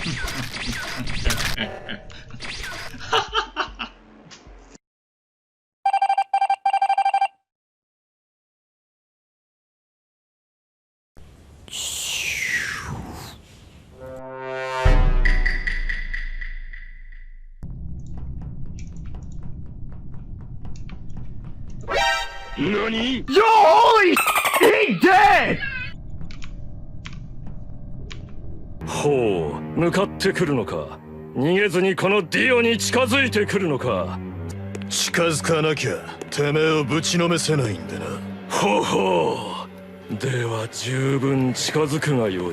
何？よーい、いて！ ほう、向かってくるのか。逃げずにこのディオに近づいてくるのか。 近づかなきゃてめえをぶちのめせないんでな。 ほうほう。では十分近づくがよい。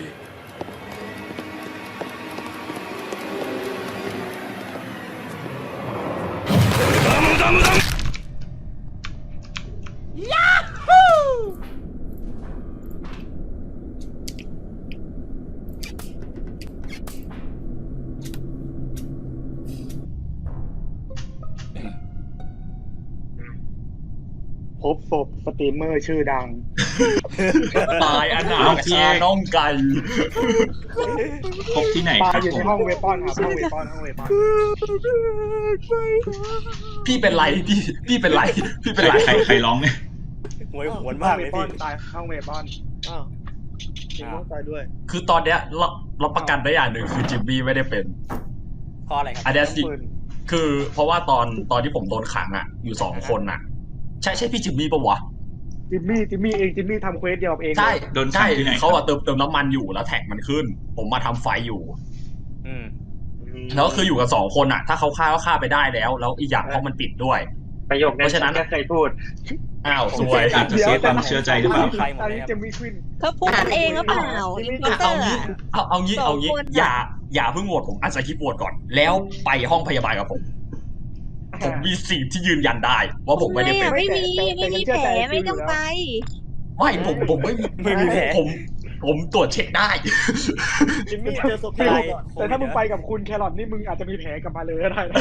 無駄無駄無駄。 พบศพสตรีมเมอร์ชื่อดังตายอนาคาน้องไก่พบที่ไหนตาคยรับอยู่ผในมห้องเวปอนครับห้องเวปอนห้องเวปอนพี่เป็นไรพี่เป็นไรพี่เป็นไรใครร้องเนี่ยหวยหวนห้อมาง กเวเลยปอพี่นตายห้องเวปอนอ้าวจริงต้องตายด้วยคือตอนเนี้ยเราประกันได้อย่างหนึ่งคือจิมมี่ไม่ได้เป็นเพราะอะไรครับอันเนี้ยสิคือเพราะว่าตอนที่ผมโดนขังอ่ะอยู่2 คนอ่ะใช่พี่จิมมี่ปะวะจิมมี่เองจิมมี่ทำเควสเดียวกับเองใช่โดนขัใช่งที่ไหนเขาอะเติมน้ำมันอยู่แล้วแท็กมันขึ้น ผมมาทำไฟอยู่อืมแล้วคืออยู่กับ2 คนอ่ะ ถ้าเขาฆ่าก็ฆ่าไปได้แล้วอีกอย่างห้องมันปิดด้วยประโยคเพราะฉะนั้นเคยพูดอ้าวสวยอาจจะเสียความเชื่อใจหรือเปล่าใครหมดอันเลยนี้ครับจิมมี่ขึ้นเขาพูดกันเองหรือเปล่าอินโพสเตอเอาร์งี้อะเอางี้สองคนอะอย่าเพิ่งโหวตผมอาจจะคิดโหวตก่อน แล้วไปห้องพยาบาลกับผมมีสิ่งที่ยืนยันได้ว่าผมไม่ได้เป็นไม่มีแผลไม่ต้องไปไม่ผมไม่มีไม่มีแผลผมตรวจเช็คได้จิมมี่เจอศพที่แต่ถ้ามึงไปกับคุณแครอทนี่มึงอาจจะมีแผลกลับมาเลยก็ได้นะ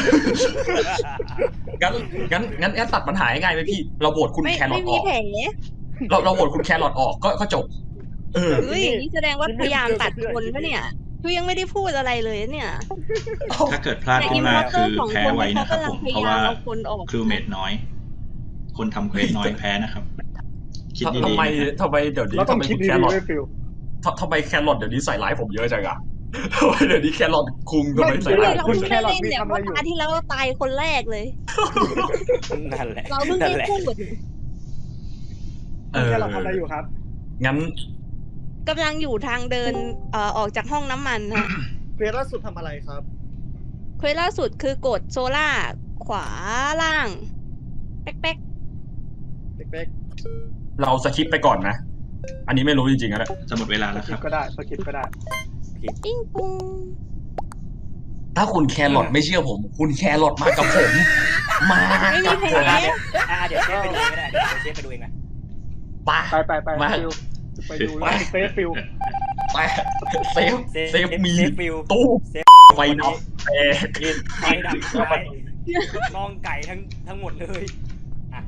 งั้นตัดปัญหาง่ายไหมพี่ เราโหวตคุณไม่แครอไม่ทอมีอกแผลเราโหวตคุณแครอทออกก็จบเฮ้ยอย่างนี้แสดงว่าพยายามตัดคนปะเนี่ยคือยังไม่ได้พูดอะไรเลยเนี่ยถ้าเกิดพลาดแต่ขึ้อินนมาโพสเตอคือร์2 แพ้คนไว้เขานะครับกำลัผงมพเพยาราะยามว่าเอาคนออกครูเมดน้อย คนทำเควสน้อยแพ้นะครับ คิดทำดีไมๆทำไมเดี๋ยวนี้เราต้อทำงไมคิดคุณดีแครอๆทไม่ฟิลทำไมแครอทเดี๋ยวนี้ใส่ร้ายผมเยอะจังอะทำไมเดี๋ยวนี้แครอทคุงทำไมใส่เฮ้ร้าย ยเราผมเพิ่งเยได้อะเล่นเนี่ยเพราะตาที่แล้วเราตายคนแรกเลยนั่นแหละเราเพิ่งนั่ได้นแหละพูดเออแครอททำอะไรอยู่ครับงั้นกำลังอยู่ทางเดินออกจากห้องน้ำมันฮะเควสล่าสุดทำอะไรครับเควสล่าสุดคือกดโซล่าขวาล่าง แป๊กเป๊กเราสคิปไปก่อนนะ อันนี้ไม่รู้จริงๆนะจะหมดเวลาๆสแล้วคกิรัปบก็ได้สกิปก็ได้ปิ้งปุ้งถ้าคุณแครอทไม่เชื่อผม คุณแครอทมากับผม มาไม่กัมีบแผผมลเดี๋ยวเชฟไปดูเองก็ได้เดี๋ยวเชฟไปดูเองนะไปไปมาฟิลไปดูแล้วเซฟฟิลไปเซฟมีเซฟฟิลตู้เซฟไฟดับแตกยืนไฟดับไฟน้องไก่ทั้งหมดเลยอ่ะ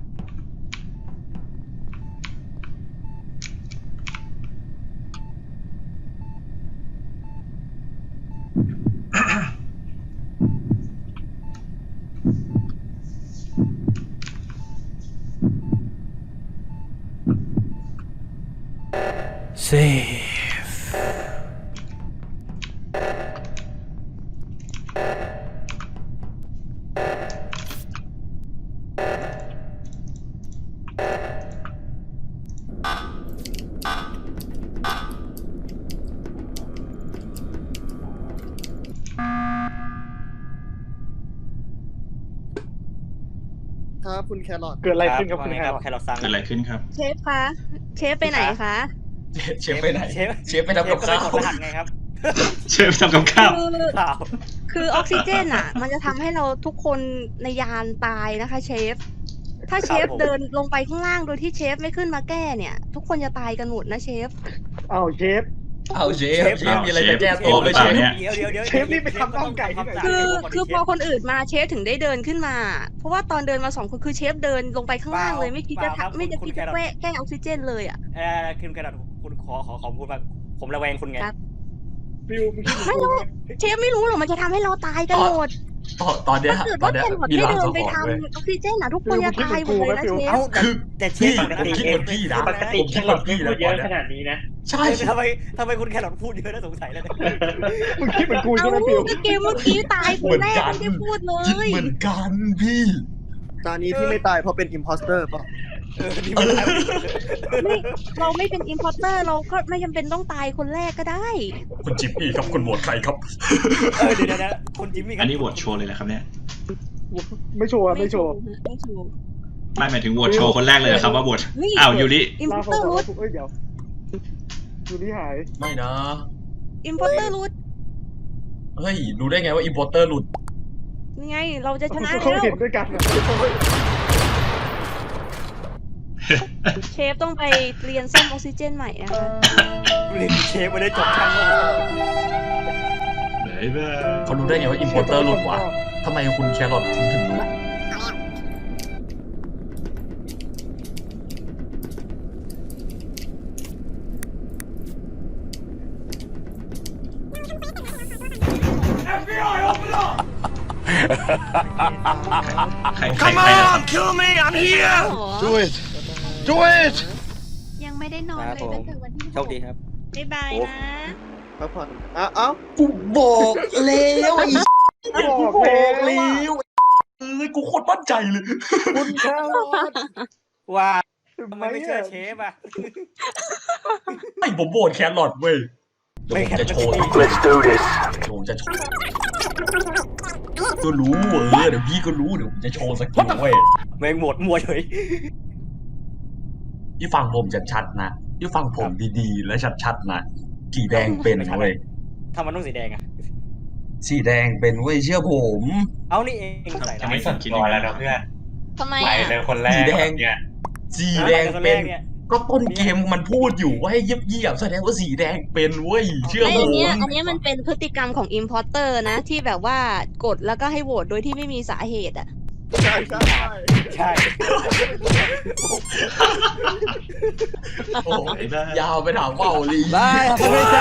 ครับคุณแครอทเกิดอะไรขึ้นครับคุณแครอทแครอทซังเกิดอะไรขึ้นครับเชฟคะ เชฟไปไหนคะเชฟไปไหนเชฟเชฟไปทำกับข้าวเชฟก็ไปกดรหัสไงครับเชฟทำกับข้าวเปล่าคือออกซิเจนอ่ะ มันจะทำให้เราทุกคนในยานตายนะคะเชฟ ถ้าเชฟเดินลงไปข้างล่างโดยที่เชฟไม่ขึ้นมาแก้เนี่ย ทุกคนจะตายกันหมดนะเชฟอ้าวเชฟเอาเชฟมีอะไรจะแก้ตัวไหมเชฟเนี่ยเดี๋ยวเชฟนี่ไปทำน่องไก่ที่ไหนคือพอคนอื่นมาเชฟถึงได้เดินขึ้นมา เพราะว่าตอนเดินมา2 คนคือเชฟเดินลงไปข้างล่างเลยไม่คิดจะไม่จะคิดจะแก้ออกซิเจนเลยอ่ะคุณแครอทคุณขอพูดว่าผมระแวงคุณไงครับฟิวมึงคิดเหมือนไม่กูรู้ไหมเชฟไม่รู้หรอกมันจะทำให้เราตายกันหมดตอนเนี้ยถ้าเกิดตอว่านเนี้ยแครอทมีไม่รางเดิสันงไปหรณ์เว้ยทำออกซิเจนนะทุกคนจะตายหมดเลยนะเชฟเอ้าแต่เชพี่ฟผมคิดเหมือนพี่นะปกติแครอทไม่พูดเยอะขนาดนี้นะใช่ทำไมคุณแครอทพูดเยอะน่าสงสัยแล้วเนี่ยมึงคิดเหมือนกูใช่เอาไหมฟิวก็เกมเมื่อกี้ตายคนแรกไม่ได้พูดเลคิดยเหมือนกันพี่ตอนนี้ที่ไม่ตายเพราะเป็นอิมพอสเตอร์ป่ะนี่ไม่ได้ไม่เราไม่เป็นอิมพอร์เตอร์เราก็ไม่จำเป็นต้องตายคนแรกก็ได้คุณจิมมี่ครับคุณโหวตใครครับเดี๋ยวนะคุณจิมมี่อันนี้โหวตโชว์เลยนะครับเนี่ยไม่โชว์อะไม่โชว์ไม่โชว์ไม่หมายถึงโหวตโชว์คนแรกเลยเหรอครับว่าโหวตนี่อ้าวยูริอิมพลาอร์ฟเตอร์อรูทเอ้ยเดี๋ยวยูนี่หายไม่นะอิมพอร์เตอร์รูทเฮ้ยรู้ได้ไงว่าอิมพอร์เตอร์หลุดนี่ไงเราจะชนะเขาแล้วเห็นด้วยกันอะเชฟต้องไปเรียนซ่อมออกซิเจนใหม่นะคะเชฟไม่ได้จบช่างโลกไหนบ้าเขารู้ได้ไงว่าอิมพอร์เตอร์หลุดวะทำไมคุณแครอทถึงรู้ใครนะครับ kill me I'm here Do it Do it ยังไม่ได้นอนเลยตั้งแต่วันที่โชคดีครับบ๊ายบายนะพักผ่อนเอ้ากูบอกแล้วไอ้บอกบอกแล้แล้ว วกูโคตรมั่นใจเลยคุณแครอทว่าทำไมไม่เชื่อเชฟอ่ะไอ้ผมโหวตแครอทเว้ยเดี๋ยวผมจะโชว์ Let's do this ผมจะโชว์ก็รู้เดี๋ยวพี่ก็รู้เดี๋ยวผมจะโชว์สกิลเว้ยแม่งหมดมัวเฉยที่ฟังผมชัดๆนะที่ฟังผมดีๆและชัดๆนะสีแดงเป็นเว้ยทำมันต้องสีแดงอ่ะสีแดงเป็นเว้ยเชื่อผมเอานี่เองใส่จะไม่สั่นคิดอย่างนั้นเพื่อนทำไมอ่ะสีแดงสีแดงเป็น ก็ต้นเกมมันพูดอยู่ว่าให้เยียบๆแสดงว่าสีแดงเป็นเว้ยเชื่อไอ้ผอันมเนี้ยมันเป็นพฤติกรรมของอิมพอร์เตอร์นะ ที่แบบว่ากดแล้วก็ให้โหวตโดยที่ไม่มีสาเหตุอ่ะใช่ใช่โอ้ยยาวไปถามว่าโอลีได้ครับไม่ใช่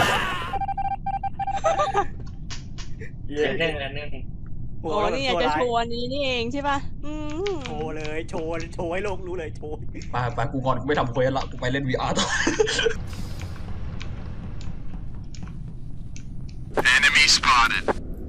โอ้นี่อยากจะโชว์อันนี้นี่เองใช่ป่ะโชว์เลยโชว์ให้โลกรู้เลยโชว์ไปกูก่อนกูไม่ทำเควสละกูไปเล่น VR ต่อ Enemy spotted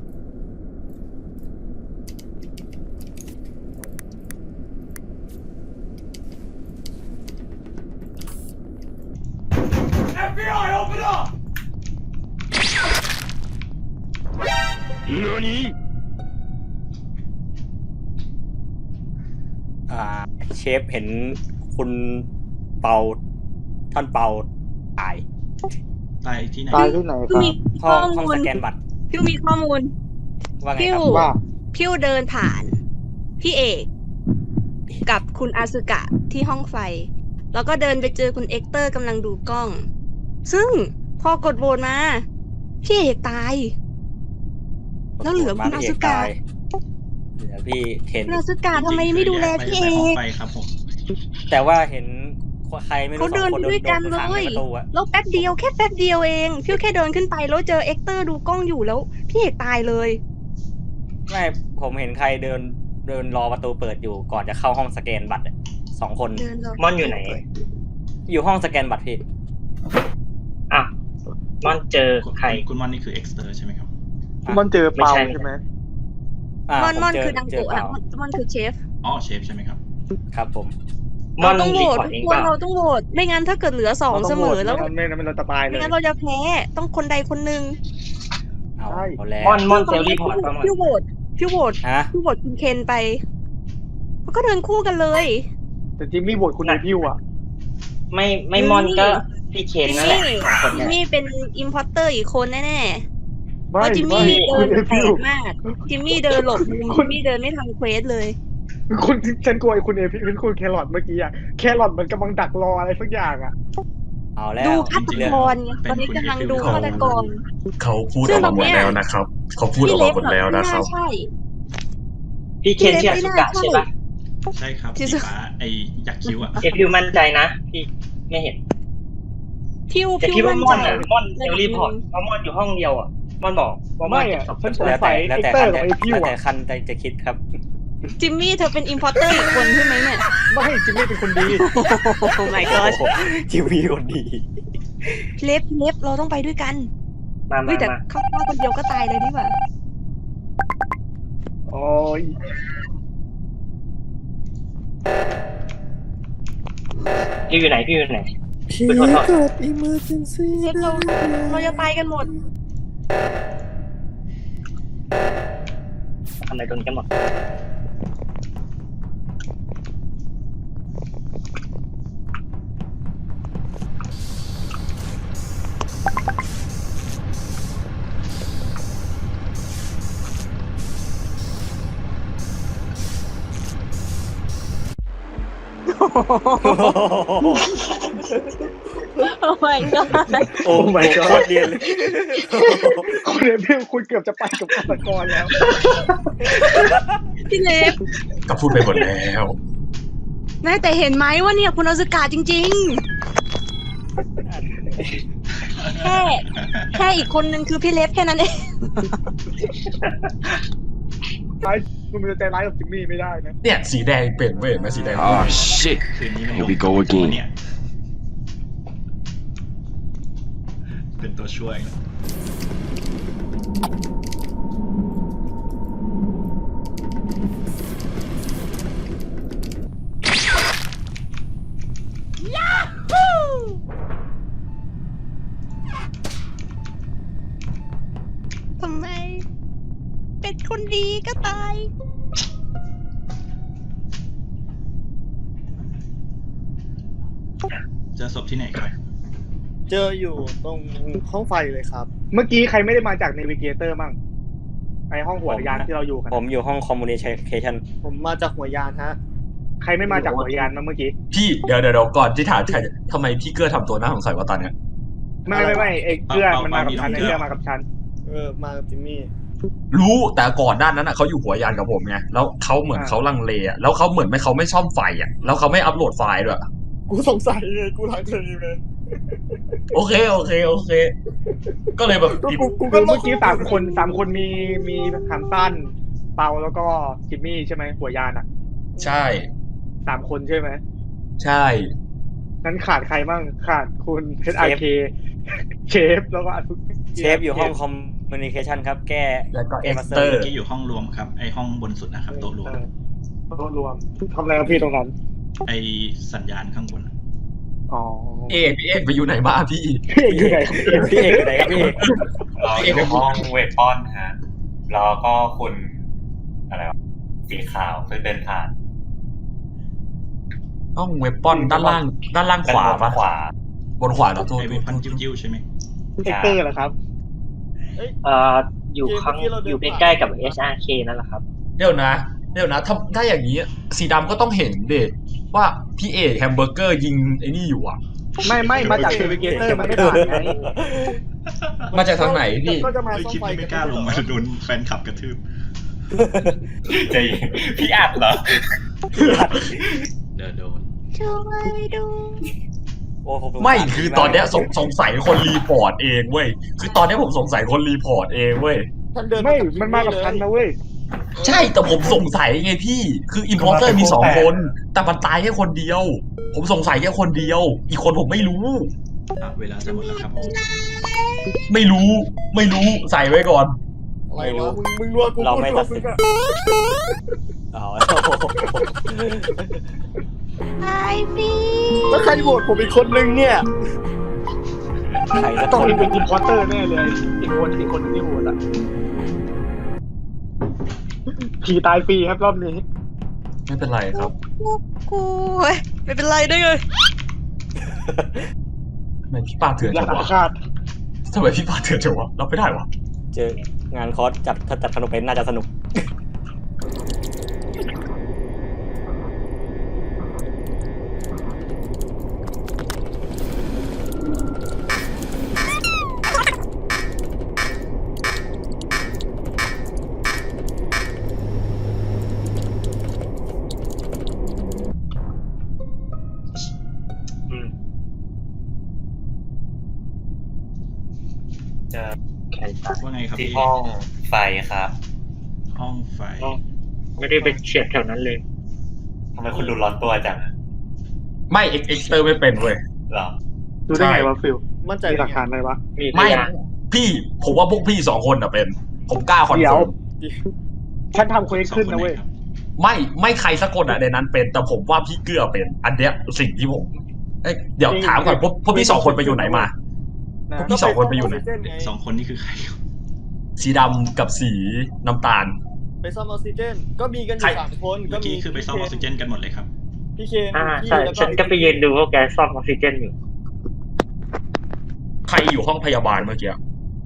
เชฟเห็นคุณเปาท่านเปาตายตายที่ไหนตายที่ไหนคพี่รับมีห้ข้อองห้องมูลสแกนบัตรพี่มีข้อมูลว่าไงพิคว รับว่าพิวเดินผ่าน พี่เอกกับคุณอาซึกะที่ห้องไฟ แล้วก็เดินไปเจอคุณเอ็กเตอร์กำลังดูกล้อง ซึ่งพอกดโหวตมา พี่เอกตาย แล้วเหลือคุณอาซึกะเหลือพี่เห็นคุณอาซึกะทำไมไม่ดูแลพี่เอห้องกไฟครับผมแต่ว่าเห็นใครไม่รู้เขาสอเดิงนคนด้วยกันโดเลขังในยประตูอะแล้วแป๊บเดียวแค่แป๊บเดียวเองพิวแค่เดินขึ้นไปแล้วเจอเอ็กเตอร์ดูกล้องอยู่แล้ว พี่เอกตายเลยไม่ผมเห็นใครเดินรอประตูเปิดอยู่ก่อนจะเข้าห้องสแกนบัตรอะสองคนเดินเลยม่อนอยู่ไหนอยู่ห้องสแกนบัตรพี่อ่ะม่อนเจอใครคุณมอนนี่คือเอ็กซ์เตอร์ใช่ไหมครับมันเจอเปาไม่ใช่ใช่ไหมมอนผมเจคือดังเจโกะเปนะล่ามอนคือเชฟอ๋อเชฟใช่ไหมครับครับผมม่อนเราต้องโหวรีตพอร์ตทุเอก งคเปนล่าเราต้องโหวตไม่งั้นถ้าเกิดเหลือสองเสมอแล้วไม่งั้นเราจะตายเลไม่ยงั้นเราจะแพ้ต้องคนใดคนหนึ่งเอาใช่เอาแล้วม่อนเซลรีพอร์ตป่ะม่อนพี่โหวตพี่โหวตฮะพี่โหวตคุณเคนไปแล้วก็เดินคู่กันเลยแต่จิมมี่โหวตคุณในพิวอ่ะไม่ม่อนก็พี่เคนนั่นแหละสองคนจิมเนี่ยมี่เป็นอิมพอร์เตอร์อีกคนแน่ๆเพไม่ราะจิมไม่มี่เดิคุณนในแปลพิวกมากจิมมี่เดินหลบมุมจิมมี่เดินไม่ทำเควสเลยคุณฉันกลัวไอ้คุณเอพิวคุณแครอทเมื่อกี้อ่ะแครอทมันกำลังดักรออะไรสักอย่างอ่ะเอาแล้วดูฆาตกรไงตอนนี้กำลังดูฆาตกรเขาพูดออกมาหมดแล้วนะครับ เขาพูดออกมาหมดแล้วนะครับใช่พี่เคนเชื่อสุกะใช่ปะใช่ครับที่สีสุดฟ้าไอยักษ์คิ้วอ่ะเอพิวมั่นใจนะพี่ไม่เห็นพิวแต่พิวคิดว่ามั่นม่อนใจอ่ะม่อนเซลรีพอร์ตเพราะม่อนอยู่ห้องเดียวอ่ะม่อนบอกว่าม่อนไม่เก็บอะศพฉันสงแล้วสัแต่ยแล้วเอ็กแต่เตอคัร์นกับไอพิวแล้วแต่อะคันจะคิดครับจิมมี่เธอเป็นอิมพอร์เตอร์อีกคนใช่ไหมเนี่ยไม่จิมมี่เป็นคนดีโอ้ my god จิมมี่คนดีเล็บเราต้องไปด้วยกันมาเฮ้ยแต่มาเข้ามาคนเดียวก็ตายเลยดีกว่าโอ้ยพี่อยู่ไหนพี่อยู่ไหนพี่ขอโทษเกิด emergency เล็บเราจะตายกันหมดทำอะไรตรงนี้กันหมดโอ้ my god โอ้ my god โคตรเรียนเลยคุณเอพิวคุณเกือบจะไปกับฆาตกรแล้วพี่เล็บก็พูดไปหมดแล้วแม่แต่เห็นไหมว่าเนี่ยคุณอสุกาจริงๆ แค่อีกคนนึงคือพี่เล็บแค่นั้นเองไอ้คุณมันจะใจร้ายกับจิมมี่ไม่ได้นะเนี่ยสีแดงเป็นเว้ยมาสีแดง Oh shit. คืนนี้มัน Here we go again เนี่ยเป็นตัวช่วยนะทำไม เป็นคนดีก็ตายเจอศพที่ไหนครับเจออยู่ตรงห้องไฟเลยครับเมื่อกี้ใครไม่ได้มาจากเนวิเกเตอร์มั่งไอห้องหัวยานที่เราอยู่กันผมอยู่ห้องคอมมูนิเคชันผมมาจากหัวยานฮะใครไม่มาจากหัวยานมาเมื่อกี้พี่เดี๋ยวก่อนที่ถามใครทำไมพี่เกื้อทำตัวน่าสงสัยว่าตอนเนี้ยไม่ไอเกลือมันมากับฉันไอเกลือมากับฉันมากับจิมมี่รู้แต่ก่อนหน้านั้นอ่ะเขาอยู่หัวยานกับผมไงแล้วเขาเหมือนเขาลังเลอ่ะแล้วเขาเหมือนเขาไม่ซ่อมไฟอ่ะแล้วเขาไม่อัปโหลดไฟล์ด้วยกูสงสัยเลยกูหลังเธอเลยโอเค ก็เลยแบบกูคือเมื่อกี้สามคนมีหันสั้นเปาแล้วก็จิมมี่ใช่ไหมหัวยานอ่ะใช่ 3 คนใช่ไหมใช่นั้นขาดใครบ้างขาดคุณHRK เชฟแล้วก็เชฟอยู่ห้องคอมมูนิเคชันครับ แก้แล้วก็เอเอ็กมาสซ์เตเตออร์ร์เมื่อกี้อยู่ห้องรวมครับ ไอห้องบนสุดนะครับโต๊ะรวมโต๊ะรวมทำอะไรกับพี่ตรงนั้นไอสัญญาณข้างบนอะอ๋อพี่เอกไปอยู่ไหนมาพี่พี่อยู่ไหนพี่เอกอยู่ไหนครับพี่เอกเราอยู่ห้องเวทป้อนฮะแล้วก็คุณอะไรวะสีขาวซึ่งเดินผ่านห้องเวปปอนด้านล่างขวาปะขวาบนขวาเหรอโทษไอเวพันจิ้วๆใช่ไหมเอ็กเตอร์เหรอครับอยู่ข้างอยู่ใกล้ๆกับ HRK นั่นแหละครับเดี๋ยวนะถ้าอย่างนี้สีดำก็ต้องเห็นเด็ว่าพี่เอกแฮมเบอร์เกอร์ยิงไอ้นี่อยู่อ่ะไม่มาจากเนวิเกเตอร์มันไม่ผ่านไงมาจากทางไหนพี่ก็จะมาไม่ซ่อมคิดไฟว่าไม่กล้าลงมาโดนแฟนคลับกระทืบใจเย็นพี่อัดเหรอเดี๋ยวโดนช่วยดูโอ้ผมสงสารไม่คือตอนเนี้ยสงสัยคนรีพอร์ตเองเว้ยคือตอนเนี้ยผมสงสัยคนรีพอร์ตเองเว้ยท่านเดินไม่มันมากับฉันนะเว้ยใช่แต่ผมสงสัยไงพี่คืออินพอร์เตอร์มี2 คนแต่มันตายแค่คนเดียว ผมสงสัยแค่คนเดียว อีกคนผมไม่รู้เวลาจะหมดแล้วครับผมไม่รู้ใส่ไว้ก่อนอะไรวะมึงรัวกูเราไม่ตัดมึสิงนอะอ๋อตายฟรีแล้วใครโหวตผมอีกคนนึงเนี่ยใครสักต้องคนมีเป็นอินพอร์เตอร์แน่เลยอีกคนที่โหวตอ่ะผีตายฟรีครับรอบนี้ไม่เป็นไรครับกูไม่เป็นไรได้เลยทำไมพี่ปาเถื่อนอยาจักงวะคาดทำไมพี่ปาเถื่อนจังวะรับไม่ได้วะเจองานคอร์สถ้าจัดขนมเป็นน่าจะสนุกครับที่พี่ห้องไฟครับห้องไฟไม่ได้ไปเฉียดแถวนั้นเลยทำไมคุณดูร้อนตัวจังอะไม่เอ็กเตอร์ไม่เป็นเว้ยเหรอดูได้ไงวะฟิลมั่นใจมีหหลัลักกฐาฐาน นอะไรวะมีพไม่ยานพี่ผมว่าพวกพี่2 คนอะเป็น ผมกล้าคอนเดี๋ยเฟิวร์มฉันทำเควสขึ้นนะเว้ยไม่ใครสักคนอะในนั้นเป็น แต่ผมว่าพี่เกือเป็น อันเนี้ยสิ่งที่ผมเดี๋ยวถามก่อนพวกพี่2 คนไปอยู่ไหนมานะพวกพี่2 คนไปอยู่ไหน 2 คนนี่คือใครสีดำกับสีน้ำตาลไปซ่อมออกซิเจน ก็มีกันอใครยู่3 คนเมื่อกี้คือไปซ่อมออกซิเจนกันหมดเลยครับพี่เคนใช่แล้วฉันก็ไปยืนดูว่าแกซ่อมออกซิเจนอยู่ใครอยู่ห้องพยาบาลเมื่อกี้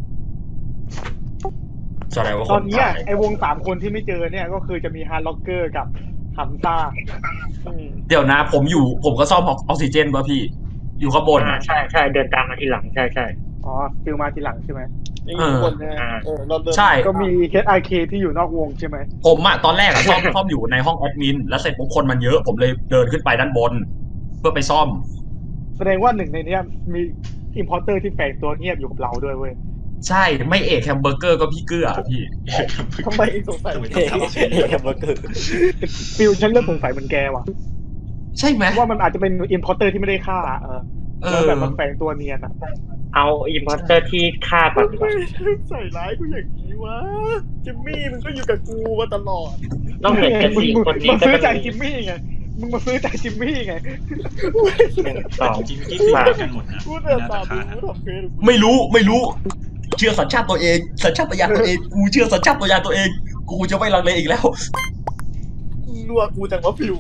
แสดงว่าคตอนนเนี้ยตายไอ้วง3 คนที่ไม่เจอเนี่ยก็คือจะมีฮาร์ล็อกเกอร์กับฮัมซ่าเดี๋ยวนะผมก็ซ่อมออกซิเจนป่ะพี่ อยู่ข้างบนอะใช่ใช่เดินตามมาทีหลังใช่ใช่อ๋อฟิลมาทีหลังใช่ไหมยังอยู่ข้างบนนะอ่าเราเดินใช่ก็มี HRK ที่อยู่นอกวงใช่ไหมผมอะตอนแรกอะซ่อมอยู่ในห้องแอดมินแล้วเสร็จปุ๊บคนมันเยอะ ผมเลยเดินขึ้นไปด้านบน เพื่อไปซ่อมแสดงว่าหนึ่งในเนี้ยมีอิมพอร์เตอร์ที่แฝงตัวเงียบอยู่กับเราด้วยเว้ยใช่ไม่เอกแฮมเบอร์เกอร์ก็พี่เกือพี่ทำไมสงสัยทำไมต้องทำออกซิเจนฟิลฉันเริ่มสงสัยเหมือนแกว่ะใช่ไหมว่ามันอาจจะเป็นอิมพอร์เตอร์ที่ไม่ได้ฆ่าแล้วแบบมันแฝงตัวเนียนอ่ะเอาอิมพอร์เตอร์ที่ฆ่าก่อนดีกว่าใส่ร้ายกูอย่างนี้วะ จิมมี่มันก็อยู่กับกูมาตลอดต้องเห็นกันสี่คนนี้มึงก็ซื้อจะใจมีจิมมี่ไง มึงมาซื้อใจจิมมี่ไง 1 2 จริงๆเมื่อกี้คือเหมือนกันหมดนะกูไม่เดินน่าตาจะมฆ่าดูนะกูทำเควสไม่รู้ เชื่อสัญชาติตัวเอง สัญชาตญาณตัวเอง กูเชื่อสัญชาตญาณตัวเอง กูจะไม่ลังเลอีกแล้วรัวกูจังวะฟิว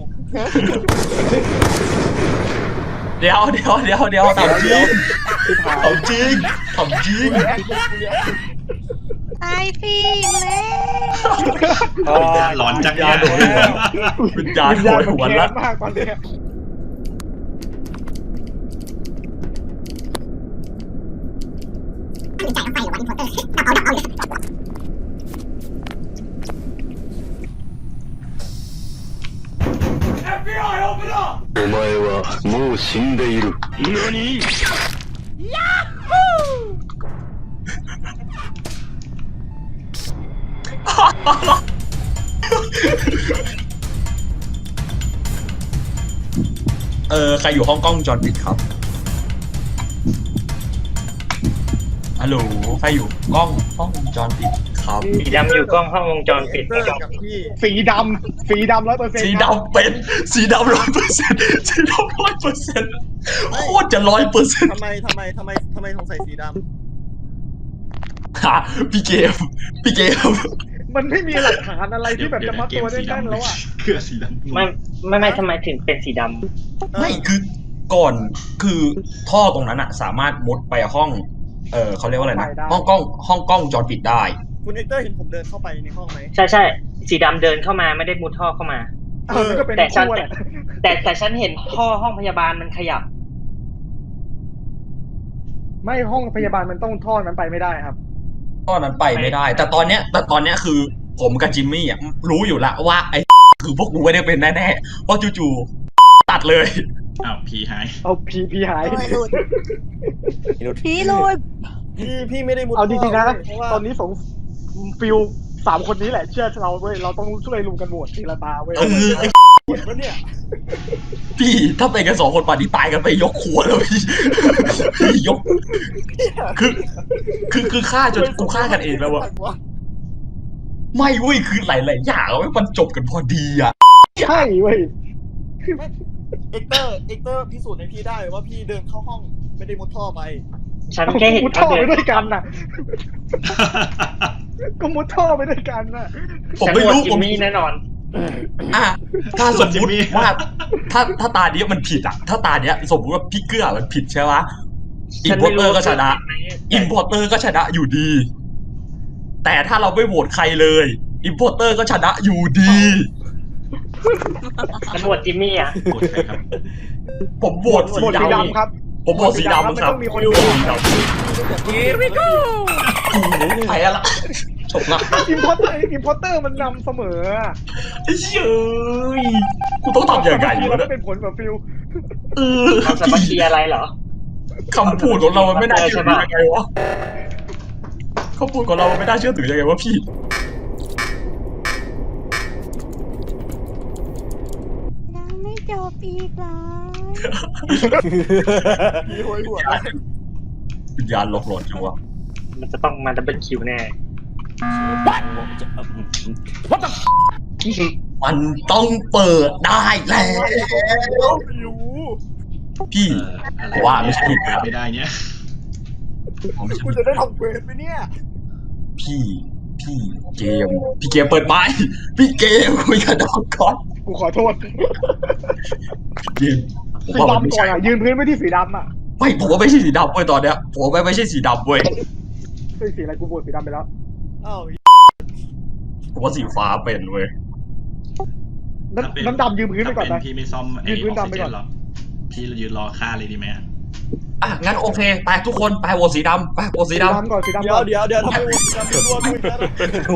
เดี๋ยวทำจริงทำจริงตายสิแม่ร้อนจังยาโดนหัววิญญาณโดนหัวแค้แล้วนมากตอนเนี้ยお前はもう死んでいる。何？ ใครอยู่ห้องกล้องวงจรปิดครับ ฮัลโหล ใครอยู่กล้องวงจรปิดครับสีดำอยู่กล้องห้องวงจรปิดเตอร์กับพี่สีดำ100% สีดำเป็นสีดำ100%สีดำ100%โคตรจะ100% ทำไมสงสัยสีดฮะพี่เกมมันไม่มีหลักฐานอะไรที่แบบจะมัดตัวได้แน่นแล้วอ่ะเกลือสีดำไม่ทำไมถึงเป็นสีดำไม่คือก่อนคือท่อตรงนั้นอะสามารถมุดไปห้องเขาเรียกว่าอะไรนะไปได้ห้องกล้องวงจรปิดได้คุณเอ็กเตอร์เห็นผมเดินเข้าไปในห้องไหมำใช่สีดำเดินเข้ามาไม่ได้มุดท่อเข้ามามันก็เป็นแต่ฉันคู่แหละแต่ฉันเห็นท่อห้องพยาบาลมันขยับไม่ห้องพยาบาลมันต้องท่อนั้นไปไม่ได้ครับท่อนั้นไปไม่ได้ แต่ตอนเนี้ยคือผมกับจิมมี่อะรู้อยู่ละว่าไอ้ คือพวกกูไม่ได้เป็นแน่ๆเพราะจู่ๆตัดเลยอ้าวผีหายเอาพีหายพี่หลุดพี่ไม่ได้มุดเอาจริงๆนะเพราะว่าตอนนี้ฟิล3 คนนี้แหละเชื่อเราเว้ยเราต้องช่วยลุมกันโหวตทีละตาเว้ยไอ้เห็นปะเนี่ยพี่ถ้าไปกัน2 คนป่านนี้ตายกันไปยกครัวแล้วพี่ยกคือฆ่าจนกูฆ่ากันเองแล้ววะไม่เว้ยคือหลายๆอย่างมันจบกันพอดีอะใช่เว้ยเอ็กเตอร์พิสูจน์ให้พี่ได้ว่าพี่เดินเข้าห้องไม่ได้มุดท่อไปฉันแค่เห็นมุดเขาท่อเดิไปนด้วยกันน่ะ ก็มุดท่อไปด้วยกันน่ะผมฉันไม่โหวตรู้จิผมมมี่แน่นอนถ้าสมมติว่าถ้าตาเนี้ยมันผิดอะถ้าตาเนี้ยสมมติว่าพี่เกื้อมันผิดใช่ไหมอินพอร์เตอร์ก็ชนะอินพอร์เตอร์ก็ชนะอยู่ดี แต่ถ้าเราไม่โหวตใครเลยอินพอร์เตอร์ก็ชนะอยู่ดีฉันโหวตจิมมี่อ่ะกดใครครับผมโหวตสีหมดสีดำดำครับผมโหวตสีดำครับมันต้องมีคนโหวต Here we go ไปละจบละอิมพอร์เตอร์มันนำเสมออะไอ้เหี้ยกูต้องทำยังไงทีวะเราเนี่ยเป็นผลแบบฟิลความสามัคคีอะไรเหรอคำพูดของเรามันไม่น่าเชื่อถือยังไงวะข้อมูลของเราไม่น่าเชื่อถือยังไงวะพี่ยังไม่จบอีกเหรอมีหัวหัววิญญาณหลอกหลอนจังวะมันจะต้องมาดับเบิลคิวแน่มันต้องเปิดได้แล้วไม่รู้พี่อะไรว่าไม่ใช่ไม่ได้เนี่ยผมไม่ใช่กูจะได้ทำเควสไหมเนี่ยพี่เกมเปิดไม้พี่เกมคุยกับน้องก่อนกูขอโทษเกมผมสีว่ามันไม่ดำก่อใช่นอ่ะยืนพื้นไม่ที่สีดำอ่ะไม่ผมว่าไม่ใช่สีดำเว้ยตอนเนี้ยผมว่าไม่ใช่สีดำเว้ยเฮ้ยสีอะไรกูโหวตสีดำไปแล้วอ้าวผมว่าสีฟ้าเป็นเว้ยน้ำดำยืนพื้นไปก่อนถ้านะเป็นพี่ไม่ซ่อมไอ้ยืนพื้อน อกดำซิไปเจก่อนนหรอกพี่ยืนรอฆ่าเลยดีไหมอะอ่ะงั้นโอเคไปทุกคนไปโหวตสีดำไปโหวตสีสีดำดำก่อนสีดำเดี๋ยก่วอนเดี๋ยวทำไมวงการเป็นรวมด้วยกัน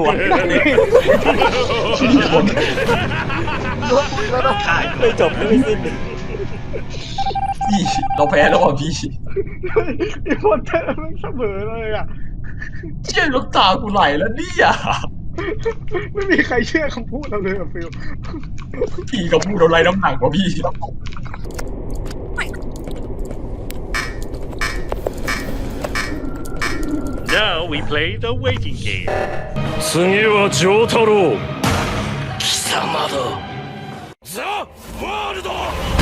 ฆ่าไม่จบไม่สิ้นพี่เราแพ้แล้วอ่ะพี่ไอ้คนเธอไม่เสมอเลยอ่ะเชี่ยลูกตากูไหลแล้วเนี่ยไม่มีใครเชื่อคำพูดเราเลยอ่ะฟิลพี่กับพูดอะไรน้ำหนักกว่าพี่ Now we play the waiting game 次は丈太郎貴様だザ・ワールド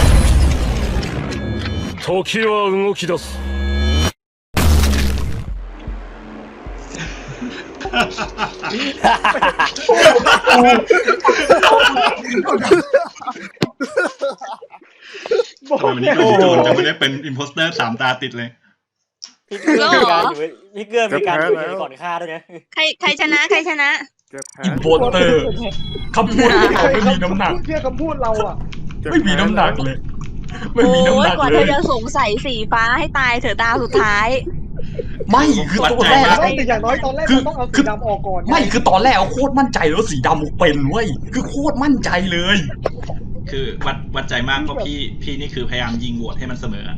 時は動き出すบอกวันนี้แล้ก็วโจนจะไม่ได้เป็นอิมโพสเตอร์3 ตาติดเลยพี่เกื้อมีการอยู่พี่เกื้อมีการอยู่ก่อนฆ่าด้วยนะใครชนะใครชนะอินโพสเตอร์คำพูดของเขาไม่มีน้ำหนักเชื่อคำพูดเราอ่ะไม่มีน้ำหนักเลย ไม่มีน้ำโอ้หยนักกว่าเลเธยอจะสงสัยสีฟ้าให้ตายเถอะตาสุดท้ายไม่คือตอนแรกแต่อย่างน้อยตอนแรกเราต้องเอาสีดำออกก่อนไม่คือตอนแรกเอาโคตรมั่นใจแล้วาสีดำเป็นเว้ยคือโคตรมั่นใจเลยคือวัดใจมากเพราะพี่นี่คือพยายามยิงโหวตให้มันเสมออะ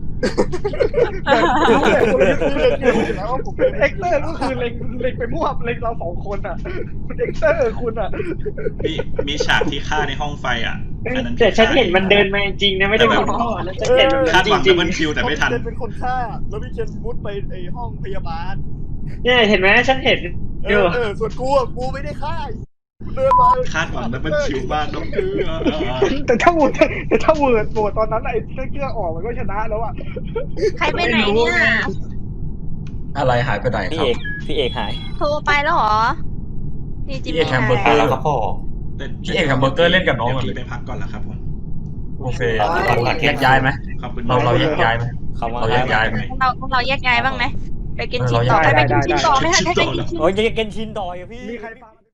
แล้วว่าผมเป็นเอ็กเตอร์ก็คือเล็งไปมั่วเล็งเราสองคนอ่ะคุณเอ็กเตอร์คุณอ่ะมีฉากที่ฆ่าในห้องไฟอ่ะอันนั้นแต่ฉันเห็นมันเดินมาจริงนะไม่ได้เป็นพ่อแล้วฉันเห็นมันคาดหวังจริดับงเบิลคิวแต่ไม่ทันเคนเป็นคนฆ่า แล้วพี่เคนมุดไปไอห้องพยาบาลๆเนี่ยเห็นไหมฉันเห็นอยู่ส่วนกูไม่ได้ฆ่าเดินมาคาดหวังดับเบิลคิวมากน้องเกลือแต่ถ้าโหวตตอนนั้นไอ้เกลือออกมันก็ชนะแล้วอ่ะใครไปไหนเนี่ยอะไรหายไปไหนพี่ครับเอกหายโทรไปแล้วเหรอนี่จิมพี่เอกแฮมเบอร์เกอมี่ร์แล้วก็พ่อพี่เอกกับเบอร์เกอร์เล่นกับน้องเดี๋ยวก่อนพี่เลไปยพักก่อนละครับผมโอเคเราแยกย้ายไหมขอบคุณเราแยกย้ายไหมเขามาเราแยกย้ายไหมเราแยกย้ายบ้างไหมไปกินชิ้นต่อเราแยกไปกินชิ้นต่อไม่ทันไปกินชิ้นโอ้ยยังเกนชินดอยอะพี่มีใครฟัง